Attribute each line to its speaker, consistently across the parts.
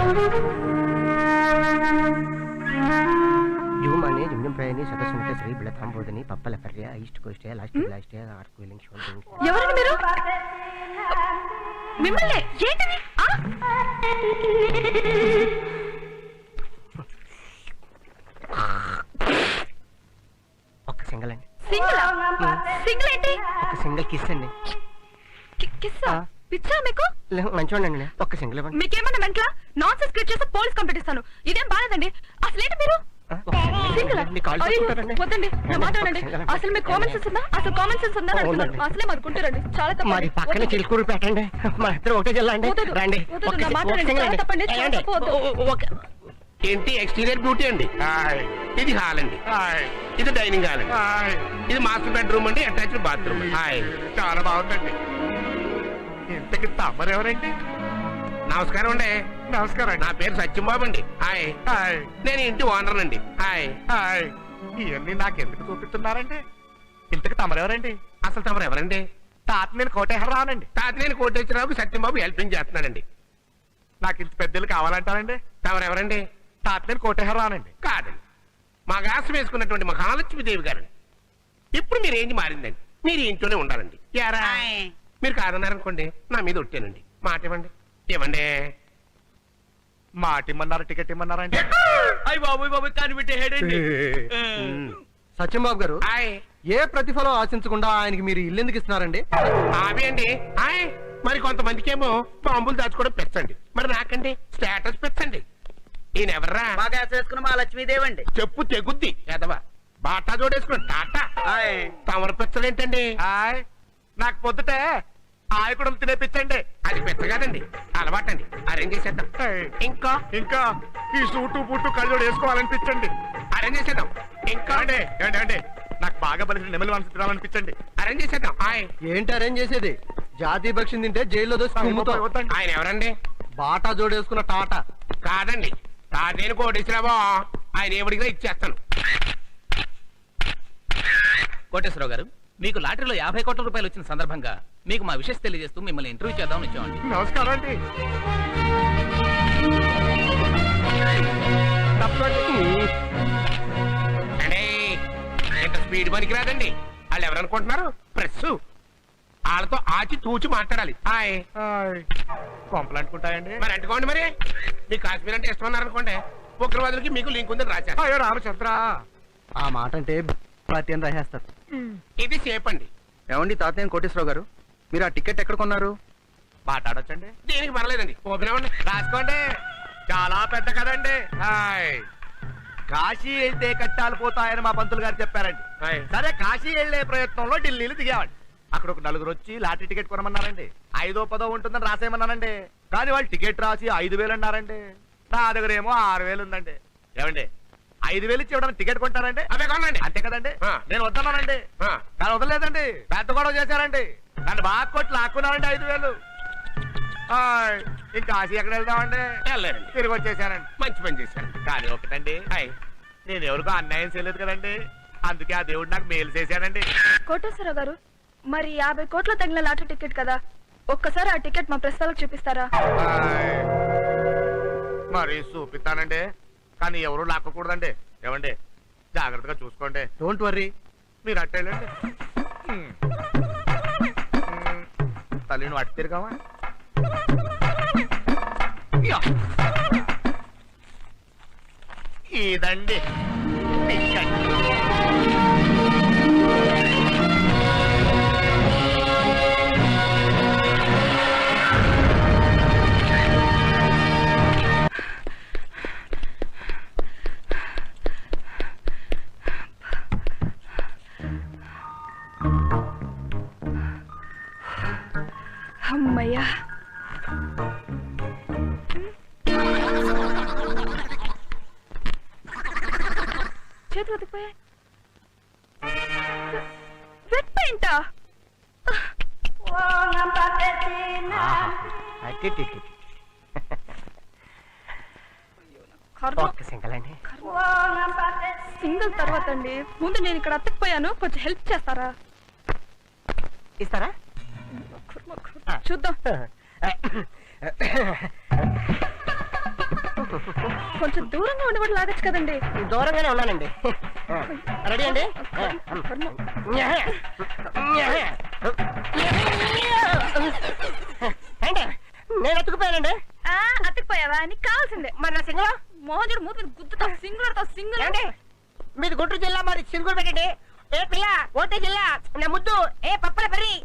Speaker 1: పప్పల పర్య east coast last last arc welding soldering.
Speaker 2: ఎవరు మీరు? మిమ్మల్ని ఏంటిది?
Speaker 1: ఒక సింగిల్ అండి.
Speaker 2: సింగిల్ ఏంటి?
Speaker 1: ఒక సింగిల్ కిస్ అండి.
Speaker 2: కిస్సా? పిచ్చా మీకు?
Speaker 1: మంచివాడండి, ఒక్క సింగిల్ ఇవ్వండి.
Speaker 2: మీకేమన్నా మెంట్లా? నాన్ సెన్స్ క్రియేట్ చేస్తే పోలీస్ కంప్లైంట్ ఇస్తాను. ఇదేం బాలేదండి. అసలేంటి మీరు? వద్దండి, నా మాట వినండి. అసలు మీకు కామన్ సెన్స్ ఉందా? అసలు కామన్ సెన్స్ ఉందా? అసలే మరుకుంటారండి. చాలా తప్పండి.
Speaker 1: పక్కన చిలుకూరు పెట్టండి, మా ఇద్దరు ఒకటే జిల్లా అండి. రండి.
Speaker 2: నా మాట వినండి. చాలా తప్పండి.
Speaker 3: ఏంటి ఎక్స్టీరియర్ బ్యూటీ అండి. ఇది హాల్ అండి, ఇది డైనింగ్ హాల్ అండి, ఇది మాస్టర్ బెడ్రూమ్ అండి, అటాచ్డ్ బాత్రూమ్.
Speaker 4: చాలా బాగుందండి. ఇంతకి తమరెవరండి?
Speaker 3: నమస్కారం అండి.
Speaker 4: నమస్కారం.
Speaker 3: నా పేరు సత్యంబాబు అండి. హాయ్. నేను ఇంటి ఓనర్ అండి. హాయ్.
Speaker 4: ఇవన్నీ నాకెందుకు చూపిస్తున్నారండి? ఇంతకి తమరెవరండి?
Speaker 3: అసలు తమరు ఎవరండి?
Speaker 4: తాత నేను కోటేశ్వరరావునండి.
Speaker 3: తాతనేని కోటేశ్వరరావుకి సత్యంబాబు హెల్పింగ్ చేస్తున్నాడండి.
Speaker 4: నాకు ఇంత పెద్దలు కావాలంటారండి?
Speaker 3: తమరు ఎవరండి?
Speaker 4: తాత నేను కోటేశ్వరరావునండి.
Speaker 3: కాదండి, మా గాసం వేసుకున్నటువంటి మహాలక్ష్మీదేవి గారండి. ఇప్పుడు మీరు ఏంటి మారిందండి, మీరు ఇంట్లోనే ఉండాలండి. యారా మీరు కాదన్నారనుకోండి, నా మీద ఒట్టానండి. మాట ఇవ్వండి. ఇవ్వండి.
Speaker 4: మాట ఇమ్మన్నారు, టికెట్ ఇమ్మన్నారండి.
Speaker 5: అయ్యి బాబు బాబు కనిపెట్టేడండి.
Speaker 1: సత్యంబాబు గారు, ఏ ప్రతిఫలం ఆశించకుండా ఆయనకి మీరు ఇల్లు ఎందుకు ఇస్తున్నారండి?
Speaker 3: అవి అండి. మరి కొంతమందికి ఏమో బాంబులు దాచుకోవడం పెంచండి, మరి నాకండి స్టేటస్ పెంచండి. ఈయన ఎవర్రా?
Speaker 5: బాగా వేసుకున్న మా లక్ష్మీదేవి అండి.
Speaker 3: చెప్పు తెగుద్ది ఎదవా. బాటా జోడేసుకున్న టాటా. తమరు పెంచలేంటండి?
Speaker 4: నాకు పొద్దుటే ఆయకుడం తినేపించండి.
Speaker 3: అది పెద్ద కాదండి, అలవాటండి. అరేంజ్ చేసేద్దాం. ఇంకా
Speaker 4: ఇంకా ఈ సూటు బూటు కళ్ళు వేసుకోవాలనిపించండి.
Speaker 3: అరేంజ్ చేసేద్దాం. ఇంకా
Speaker 4: అండి అండి నాకు బాగా బలిసిన నెమలి మనసు తినాలనిపించండి.
Speaker 3: అరేంజ్ చేసేద్దాం.
Speaker 1: ఏంటి అరేంజ్ చేసేది? జాతీయ పక్షిని తింటే జైల్లో దోసి
Speaker 3: ఆయన ఎవరండి?
Speaker 1: బాటా జోడేసుకున్న టాటా
Speaker 3: కాదండి, తాతేను కోటేశ్వరరావు. ఆయన ఎవడిగా ఇచ్చేస్తాను.
Speaker 5: కోటేశ్వరరావు గారు, మీకు లాటరీలో 50 కోట్ల రూపాయలు వచ్చిన సందర్భంగా మీకు మా విషయం తెలియజేస్తూ మిమ్మల్ని ఇంటర్వ్యూ చేద్దామని వచ్చామండి.
Speaker 4: నమస్కారం అండి.
Speaker 3: ఇంత స్పీడ్ పనికి రాదండి. వాళ్ళు ఎవరనుకుంటున్నారు? ప్రెస్. వాళ్ళతో ఆచి తూచి మాట్లాడాలి.
Speaker 4: కొంపలు అంటుకుంటాయండి.
Speaker 3: మరి అంటుకోండి. మరి మీకు కాశ్మీర్ అంటే ఇష్టం ఉన్నారనుకోండి, ఉగ్రవాదులకి మీకు లింక్ ఉందని రాశారు.
Speaker 4: అయ్యో రామచంద్ర,
Speaker 1: ఆ మాట అంటే ప్రతి రాసేస్తారు.
Speaker 3: ఇది సేఫ్ అండి.
Speaker 1: ఏమండి తాతయ్య కోటేశ్వరరావు గారు, మీరు ఆ టికెట్ ఎక్కడ కొన్నారు?
Speaker 4: మాట్లాడొచ్చండి.
Speaker 3: దీనికి పర్లేదండి, ఓపెన్ అవ్వండి,
Speaker 4: రాసుకోండి. చాలా పెద్ద కదండి. కాశీ వెళ్తే కట్టాలు పోతాయని మా పంతులు గారు చెప్పారండి. సరే, కాశీ వెళ్లే ప్రయత్నంలో ఢిల్లీలో దిగామండి. అక్కడ ఒక నలుగురు వచ్చి లాటరీ టికెట్ కొనమన్నారండి. 5దో 10దో ఉంటుందని రాసేయమన్నానండి. కానీ వాళ్ళు టికెట్ రాసి 5,000 అన్నారండి. నా దగ్గర ఏమో 6,000 ఉందండి. ఏమండి, 5,000 ఇచ్చి ఇవ్వడానికి టికెట్ కొంటారండి?
Speaker 3: అవే కొనండి.
Speaker 4: అంతే కదండి. నేను వద్దన్నానండి, కానీ వదలలేదండి. పెద్ద గొడవ చేశారండి. నన్ను బాగా కొట్టి లాక్కున్నారండి 5,000. ఇంకా కాశీ ఎక్కడ వెళ్దామండి?
Speaker 3: వెళ్ళారండి.
Speaker 4: తిరిగి వచ్చేసానండి.
Speaker 3: మంచి పని చేశారు.
Speaker 4: కానీ ఒకటండి, నేను ఎవరికో అన్యాయం చేయలేదు కదండి. అందుకే ఆ దేవుడు నాకు మేలు చేశానండి.
Speaker 2: కోటేశ్వరరావు గారు, మరి 50 కోట్ల తగిన లాటరీ టికెట్ కదా, ఒక్కసారి ఆ టికెట్ మా ప్రెస్ వాళ్ళకి చూపిస్తారా?
Speaker 4: మరి చూపిస్తానండి, కానీ ఎవరు లాక్కకూడదండి. ఏమండి, జాగ్రత్తగా చూసుకోండి.
Speaker 1: డోంట్ వర్రీ,
Speaker 4: మీరు అట్టేళ్ళండి. తల్లి నువ్వు అట్టు తిరిగావా? ఇదండి టికెట్.
Speaker 2: అమ్మయ్యా, చేతులు ఉతికిపోయాయి. వెట్ పెయింటా? సింగిల్ తర్వాత అండి. ముందు నేను ఇక్కడ అత్తకపోయాను, కొంచెం హెల్ప్ చేస్తారా?
Speaker 1: ఇస్తారా?
Speaker 2: చూద్దాం. కొంచెం దూరంగా ఉండేవాడు లాగచ్చు కదండి.
Speaker 6: దూరంగానే ఉన్నానండి. రెడీ అండి? ఏంటి నేను ఎత్తుకుపోయానండి.
Speaker 2: అతికిపోయావా? నీకు కావాల్సిందే.
Speaker 6: మరి నా సింగల్
Speaker 2: మోహన్ మూతి మీద గుద్దుతా, సింగులతో సింగుల్.
Speaker 6: ఏంటి మీది గుంటూరు జిల్లా, మరి సింగులు పెట్టండి. ఏ పిల్ల ఓటే జిల్లా నా ముద్దు, ఏ పప్పల పెరి.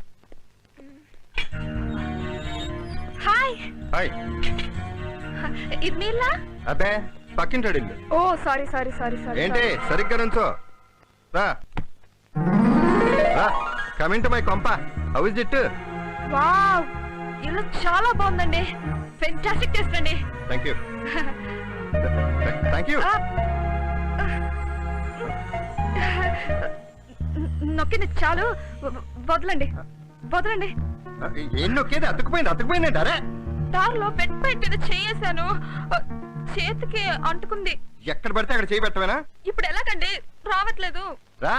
Speaker 2: Hi,
Speaker 1: hi.
Speaker 2: ఇది మీ ఇల్లా?
Speaker 1: అబ్బే పక్కింటాడు ఇల్లు.
Speaker 2: ఓ సారీ సారీ సారీ సారీ.
Speaker 1: ఏంటి సరిగ్గా నుంచో. రా రా, కమింగ్ టు మై కొంప. How is it?
Speaker 2: వావ్, ఇల్లు చాలా బాగుందండి. ఫెంటాస్టిక్ టేస్ట్ అండి.
Speaker 1: Thank you thank you.
Speaker 2: నొక్కింది చాలు, వదలండి వదలండి.
Speaker 1: ఏం నొక్కేది? అతుకుపోయింది అరే.
Speaker 2: దారిలో బెడ్ పైన మీద చేయేశాను, చేతికి అంటుకుంది.
Speaker 1: ఎక్కడ పడితే అక్కడ చేయి పెట్టవేనా?
Speaker 2: ఇప్పుడు ఎలాగండి? రావట్లేదు.
Speaker 1: రా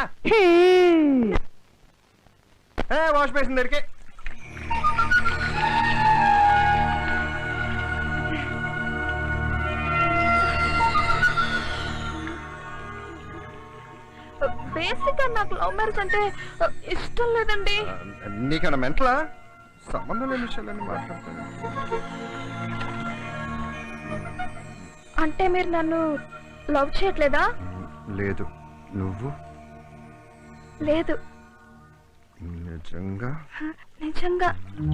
Speaker 1: వాష్ బేసిన్ దగ్గరికి.
Speaker 2: బేసిక్ గా నాకు లవ్ మ్యారేజ్ అంటే ఇష్టం లేదండి.
Speaker 1: నీకన్నా మెంటలా? సంబంధం లేని విషయాలన్నీ మాట్లాడతాను.
Speaker 2: అంటే మీరు నన్ను లవ్ చేయట్లేదా?
Speaker 1: లేదు. నువ్వు?
Speaker 2: లేదు.
Speaker 1: నిజంగా?
Speaker 2: నిజంగా.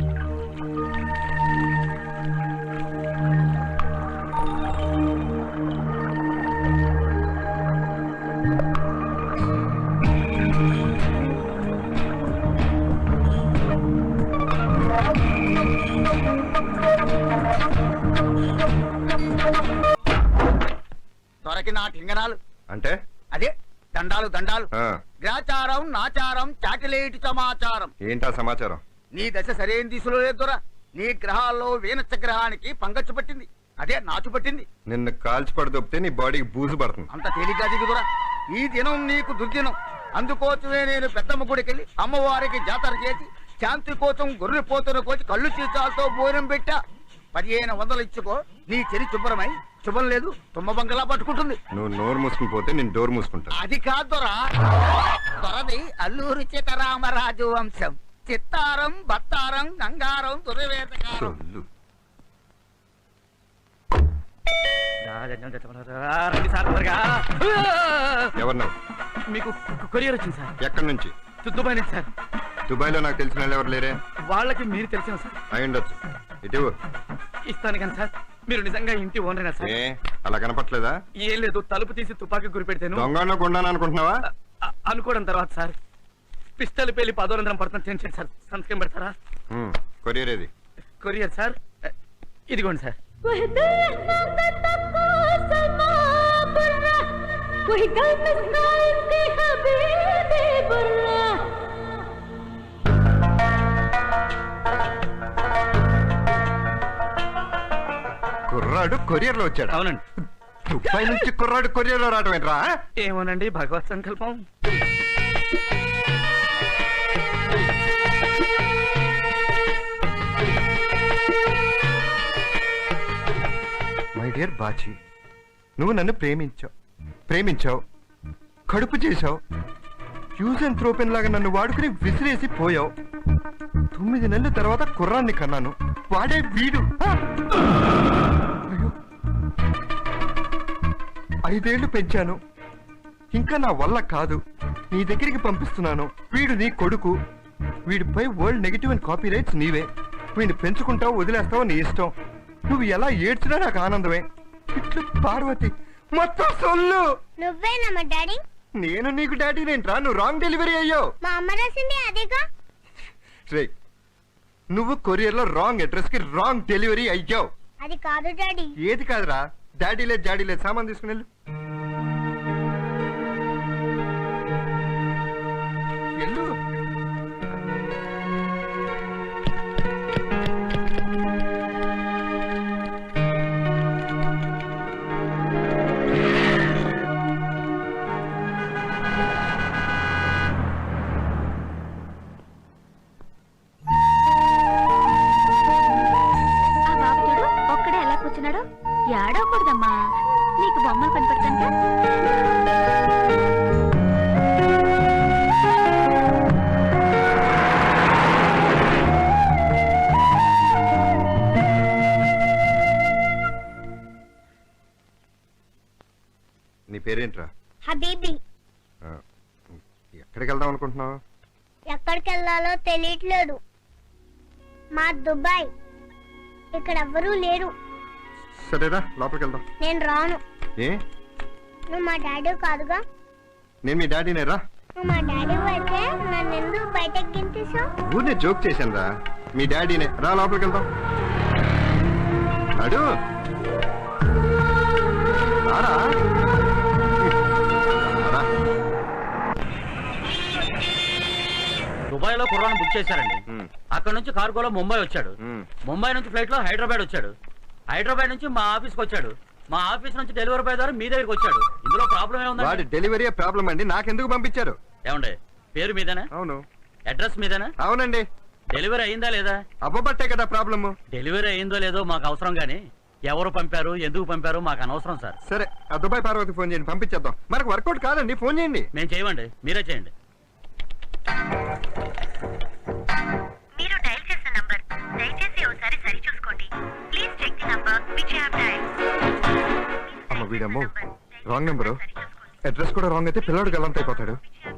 Speaker 4: దొరకి నా టింగనాలు
Speaker 1: అంటే
Speaker 4: అదే దండాలు దండాలు.
Speaker 1: ఆ,
Speaker 4: గ్రాచారం నాచారం చాటిలేటి సమాచారం.
Speaker 1: ఏంటా సమాచారం?
Speaker 4: నీ దశ సరైన దిశలో లేదు దొర. నీ గ్రహాల్లో వీనచ్చ గ్రహానికి పంగచ్చు పట్టింది, అదే నాచు పట్టింది.
Speaker 1: నిన్ను కాల్చి పడదొప్పితే నీ బాడీకి బూజు పడుతుంది.
Speaker 4: అంత తేలిగ్గా దిగుదురా. ఈ దినం నీకు దుర్దినం. అందుకోసమే నేను పెద్దమ్మ గుడికెళ్ళి అమ్మవారికి జాతర చేసి శాంతి కోసం గొర్రె పోతున్న కోసి కళ్ళు చీచాలతో భోజనం పెట్టా. 1500 ఇచ్చుకో, నీ చెరి శుభ్రమై శుభం లేదు తుమ్మ బంగలా పట్టుకుంటుంది.
Speaker 1: నువ్వు నోరు మూసుకుని పోతే నేను డోర్ మూసుకుంటా.
Speaker 4: అది కాదు దొరా. దొరది అల్లూరి సీతారామరాజు వంశం. చిత్తారం బత్తారం గంగారం దుర్వేదకారం.
Speaker 1: సొల్లు. ఎవరు నువ్వు?
Speaker 5: మీకు కొరియర్ వచ్చింది సార్.
Speaker 1: ఎక్కడి నుంచి?
Speaker 5: దుబాయ్ నుంచి సార్.
Speaker 1: దుబాయ్ లో నాకు తెలిసిన వాళ్ళు ఎవరు లేరే?
Speaker 5: వాళ్ళకి మీరు తెలిసిన సార్.
Speaker 1: అయి ఉండొచ్చు. ఇటు
Speaker 5: ఇస్తాను కానీ సార్, మీరు నిజంగా ఇంటి ఓనరేనా సార్?
Speaker 1: ఏ అలా కనపట్లేదా?
Speaker 5: ఏం లేదు, తలుపు తీసి తుపాకీ గురి పెడితేను
Speaker 1: దొంగలో కొండాను అనుకుంటున్నావా?
Speaker 5: అనుకోవడం తర్వాత సార్ పిస్టల్ పేలి 1000 పడుతుంది. టెన్షన్ సార్, సంతకం పెడతారా?
Speaker 1: కొరియర్ ఏది?
Speaker 5: కొరియర్ సార్, ఇదిగోండి సార్.
Speaker 1: కుర్రాడు కొరియర్ లో వచ్చాడు.
Speaker 5: అవునండి.
Speaker 1: దుబాయ్ నుంచి కుర్రాడు కొరియర్ లో రావడం ఏంట్రా?
Speaker 5: ఏమోనండి, భగవత్ సంకల్పం.
Speaker 1: మై డియర్ బాచి, నువ్వు నన్ను ప్రేమించావు, కడుపు చేశావు, యూజ్ అండ్ త్రోపెన్ లాగా నన్ను వాడుకుని విసిరేసి పోయావు. 9 నెలల తర్వాత కుర్రాన్ని కన్నాను, వాడే వీడు. అయ్యో, 5 ఏళ్లు పెంచాను, ఇంకా నా వల్ల కాదు, నీ దగ్గరికి పంపిస్తున్నాను. వీడు నీ కొడుకు, వీడిపై world negative and copy rights నీవే. వీడిని పెంచుకుంటావు, వదిలేస్తావు, నీ ఇష్టం. నువ్వు ఎలా ఏడ్చినా నాకు ఆనందమే. ఇట్లు పార్వతి మొత్తం సొల్లు.
Speaker 7: నువ్వేనమ్మా డాడీ?
Speaker 1: నేను నీకు డాడీనేంట్రా? నువ్వు రాంగ్ డెలివరీ అయ్యావు.
Speaker 7: మా అమ్మ రాసింది అదేగా.
Speaker 1: రే, నువ్వు కొరియర్ లో రాంగ్ అడ్రస్ కి రాంగ్ డెలివరీ అయ్యావు.
Speaker 7: అది కాదు డాడీ.
Speaker 1: ఏది కాదురా? డాడీ లేదు జాడీ లేదు, సామాన్ తీసుకుని వెళ్ళు. వెళ్ళు.
Speaker 7: ఆ బాబుడు ఒక్కడే ఎలా
Speaker 2: కూర్చున్నాడు? ఏడవకూడదమ్మా, నీకు బొమ్మలు కనపడతాను.
Speaker 1: నీ పేరేంట్రా?
Speaker 7: హబీబీ.
Speaker 1: ఆ, ఎక్కడికి వెళ్దాం అనుకుంటున్నావు?
Speaker 7: ఎక్కడికి వెళ్ళాలో తెలియట్లేదు. మా దుబాయ్. ఇక్కడ ఎవ్వరూ లేరు.
Speaker 1: సరేరా లోపలికి వెళ్దాం.
Speaker 7: నేను రాను.
Speaker 1: ఏ?
Speaker 7: నువ్వు మా డాడీ కాదుగా.
Speaker 1: నేను మీ డాడీనే రా.
Speaker 7: నువ్వు మా డాడీ అయితే నన్ను ఎందుకు బయటకు గింతేసావు?
Speaker 1: ఊరినే జోక్ చేశాను రా. మీ డాడీనే రా లోపలికి వెళ్దాం. నడు రారా. రారా.
Speaker 8: దుబాయ్ లో కుర్రాన్ని బుక్ చేశారండి.
Speaker 1: ఉమ్,
Speaker 8: అక్కడ నుంచి కార్గోలో ముంబై వచ్చాడు.
Speaker 1: ఉమ్.
Speaker 8: ముంబై నుంచి ఫ్లైట్ లో హైదరాబాద్ వచ్చాడు. హైదరాబాద్ నుంచి మా ఆఫీస్కి వచ్చాడు. మా ఆఫీస్ నుంచి డెలివరీ బాయ్ ద్వారా మీ దగ్గరికి వచ్చాడు. ఇందులో ప్రాబ్లం
Speaker 1: వాడి
Speaker 8: ఏముందండి?
Speaker 1: డెలివరీ ప్రాబ్లం అండి. నాకెందుకు పంపించారు?
Speaker 8: ఏమండి, పేరు మీదేనా?
Speaker 1: అవును.
Speaker 8: అడ్రస్ మీదేనా?
Speaker 1: అవునండి.
Speaker 8: డెలివరీ అయిందా లేదా?
Speaker 1: అబ్బబట్టే కదా ప్రాబ్లము.
Speaker 8: డెలివరీ అయిందో లేదో మాకు అవసరం గానీ ఎవరు పంపారు, ఎందుకు పంపారు మాకు అనవసరం సార్.
Speaker 1: సరే ఆ దుబాయ్ పార్వతి ఫోన్ చేయండి, పంపించేద్దాం. మనకు వర్కౌట్ కాదండి, ఫోన్ చేయండి.
Speaker 8: మేము చేయమండి, మీరే చేయండి.
Speaker 9: మీరు డయల్ చేసిన నంబర్ దయచేసి ఒకసారి సరి చూసుకోండి. Please check the number which you have dialled.
Speaker 1: అమ్మ వీడమ్మో, రాంగ్ నెంబరు. అడ్రస్ కూడా రాంగ్ అయితే పిల్లడు గల్లంత అయిపోతాడు.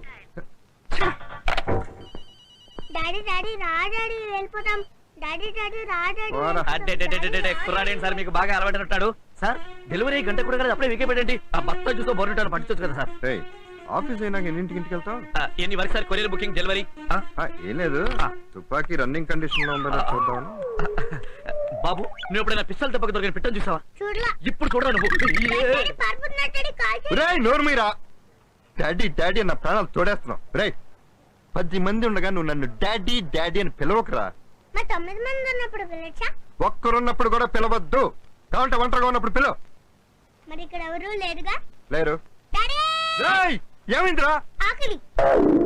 Speaker 7: డాడీ డాడీ రా డాడీ వెళ్ళిపోతాం. డాడీ డాడీ రా డాడీ
Speaker 1: పోరా.
Speaker 8: కుర్రాడేంటి సార్ మీకు బాగా అలవాటైనట్టాడు. సార్ డెలివరీ గంట కూడా కదా, అప్పుడే వీకే పెట్టండి. ఆ భర్త చూసో బోర్నిటాడు పట్టించొచ్చు కదా సార్.
Speaker 1: ఏయ్, ఆఫీస్ అయినాక ఎన్నింటికి వెళ్తావు?
Speaker 8: ఎన్ని వరకు సార్ కొరియర్ బుకింగ్ డెలివరీ?
Speaker 1: ఏం లేదు, తుపాకీ రన్నింగ్ కండిషన్ లో ఉందని చూద్దామని.
Speaker 8: బాబు నువ్వు ఎప్పుడైనా పిస్తల్ దెబ్బకి దొరికిన పిట్టని చూసావా?
Speaker 7: చూడలా.
Speaker 8: ఇప్పుడు చూడరా నువ్వు.
Speaker 7: డాడీ పారిపోతున్నాడు. డాడీ కాల్ చేయి.
Speaker 1: రేయ్ నోరు మీరా. డాడీ డాడీ అన్న ప్రాణాలు తోడేస్తున్నావు. రేయ్ 10 మంది ఉండగా నువ్వు నన్ను డాడీ డాడీ అని పిలవకురా.
Speaker 7: మా 9 మంది ఉన్నప్పుడు పిలవచ్చా?
Speaker 1: ఒక్కరున్నప్పుడు కూడా పిలవద్దు. కావంటే ఒంటరిగా ఉన్నప్పుడు పిలవ.
Speaker 7: మరి ఇక్కడ ఎవరూ లేరుగా.
Speaker 1: లేరు.
Speaker 7: డాడీ
Speaker 1: రేయ్ ఏమైందిరా?
Speaker 7: ఆకలి.